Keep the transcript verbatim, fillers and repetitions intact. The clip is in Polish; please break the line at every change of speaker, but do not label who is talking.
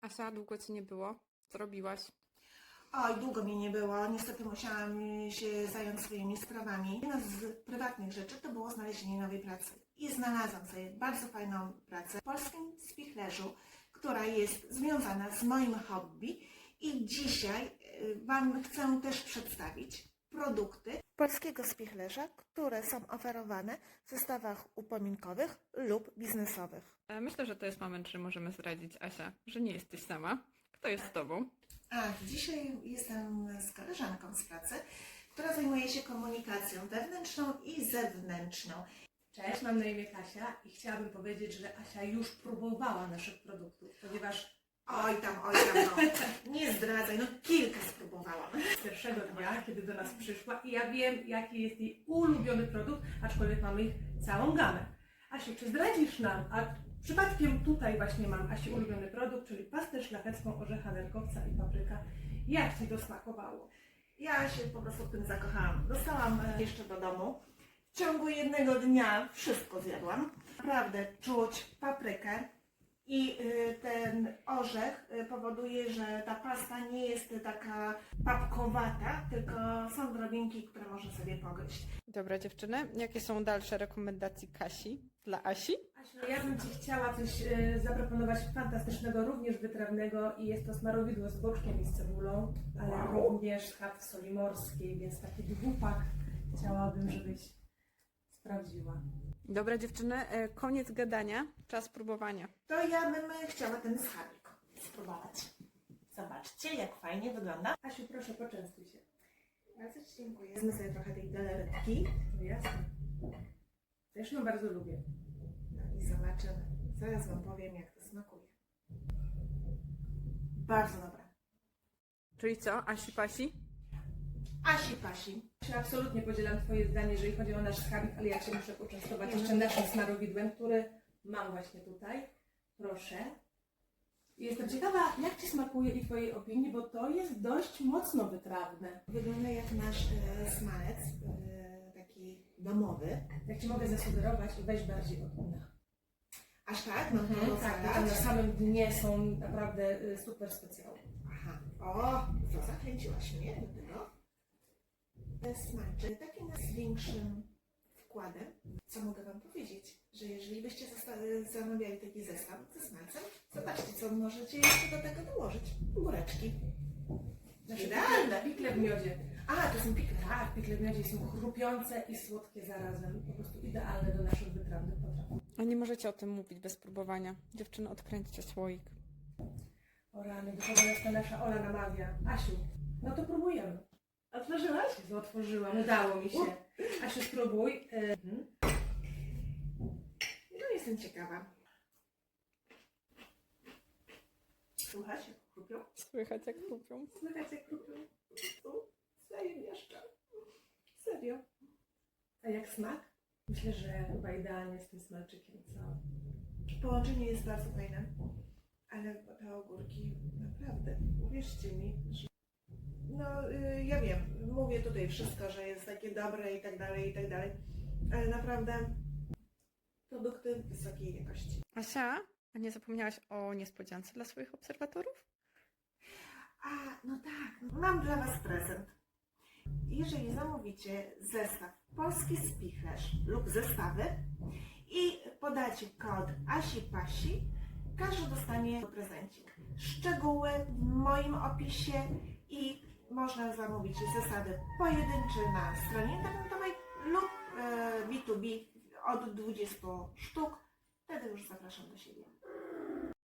Asia, długo Cię nie było. Co robiłaś?
Oj, długo mnie nie było. Niestety musiałam się zająć swoimi sprawami. Jedna z prywatnych rzeczy to było znalezienie nowej pracy. I znalazłam sobie bardzo fajną pracę w polskim spichlerzu, która jest związana z moim hobby. I dzisiaj y, Wam chcę też przedstawić produkty polskiego spichlerza, które są oferowane w zestawach upominkowych lub biznesowych.
E, Myślę, że to jest moment, że możemy zdradzić, Asia, że nie jesteś sama. Kto jest z Tobą?
A, dzisiaj jestem z koleżanką z pracy, która zajmuje się komunikacją wewnętrzną i zewnętrzną.
Cześć, mam na imię Kasia i chciałabym powiedzieć, że Asia już próbowała naszych produktów, ponieważ
Oj tam, oj tam, no. Nie zdradzaj, no kilka spróbowałam.
z pierwszego dnia, kiedy do nas przyszła i ja wiem, jaki jest jej ulubiony produkt, aczkolwiek mamy ich całą gamę. Asiu, czy zdradzisz nam, a przypadkiem tutaj właśnie mam Asi ulubiony produkt, czyli pastę szlachecką orzecha nerkowca i papryka. Jak Ci to smakowało?
Ja się po prostu w tym zakochałam. Dostałam e, jeszcze do domu. W ciągu jednego dnia wszystko zjadłam. Naprawdę czuć paprykę i y, ten orzech y, powoduje, że ta pasta nie jest taka papkowata, tylko są drobinki, które można sobie pogryźć.
Dobra, dziewczyny, jakie są dalsze rekomendacje Kasi dla Asi?
Asiu, ja bym Ci chciała coś e, zaproponować fantastycznego, również wytrawnego i jest to smarowidło z boczkiem i z cebulą, ale
Wow.
również chat soli morskiej, więc taki dwupak chciałabym, żebyś sprawdziła.
Dobra, dziewczyny, e, koniec gadania, czas próbowania.
To ja bym chciała ten schabik spróbować. Zobaczcie, jak fajnie wygląda.
Asiu, proszę, poczęstuj się.
Bardzo Ci dziękuję. Wezmę sobie trochę tej galaretki.
No jasne. Też ją bardzo lubię.
No i zobaczymy. Zaraz Wam powiem, jak to smakuje. Bardzo dobre.
Czyli co, Asi Pasi?
Asi pasi.
Asiu, absolutnie podzielam Twoje zdanie, jeżeli chodzi o nasz skarbik, ale ja Cię muszę poczęstować jeszcze naszym smarowidłem, który mam właśnie tutaj. Proszę. I jestem ciekawa, jak Ci smakuje i Twojej opinii, bo to jest dość mocno wytrawne.
Wygląda jak nasz e, smalec, e, taki domowy.
Jak Ci mogę zasugerować i weź bardziej od dna.
Aż tak? No
Mhm,
to
tak,
salad.
tam na samym dnie są naprawdę y, super specjały.
Aha. O, to zachęciłaś mnie do tego. To jest smaczy taki nas z większym wkładem. Co mogę Wam powiedzieć? Że jeżeli byście zosta- zamawiali taki zestaw ze smalcem, zobaczcie, co możecie jeszcze do tego dołożyć. Góreczki.
Nasze
Idealne.
pikle, pikle w miodzie.
A, to są pikle.
Tak, pikle w miodzie są chrupiące i słodkie zarazem. Po prostu idealne do naszych wytrawnych potraw.
A nie możecie o tym mówić bez próbowania. Dziewczyny, odkręćcie słoik.
O rany, do czego nas ta nasza Ola namawia. Asiu, no to próbujemy.
Otworzyłaś?
Jezu, otworzyłam, udało mi się. Asiu, spróbuj. Mhm.
No jestem ciekawa. Słuchać, jak chrupią?
Słychać jak kupią.
Słychać, jak chrupią? Zajemieszcza. Serio.
A jak smak? Myślę, że chyba idealnie z tym smalczykiem, co?
Połączenie jest bardzo fajne, ale te ogórki naprawdę, uwierzcie mi, że... No, y, ja wiem, mówię tutaj wszystko, że jest takie dobre i tak dalej, i tak dalej, ale naprawdę produkty wysokiej jakości.
Asia, a nie zapomniałaś o niespodziance dla swoich obserwatorów?
A, no tak, mam dla Was prezent. Jeżeli zamówicie zestaw Polski Spichlerz lub zestawy i podacie kod ASIPASI, każdy dostanie prezencik. Szczegóły w moim opisie i można zamówić zestawy pojedyncze na stronie internetowej lub e, B dwa B od dwudziestu sztuk. Wtedy już zapraszam do siebie.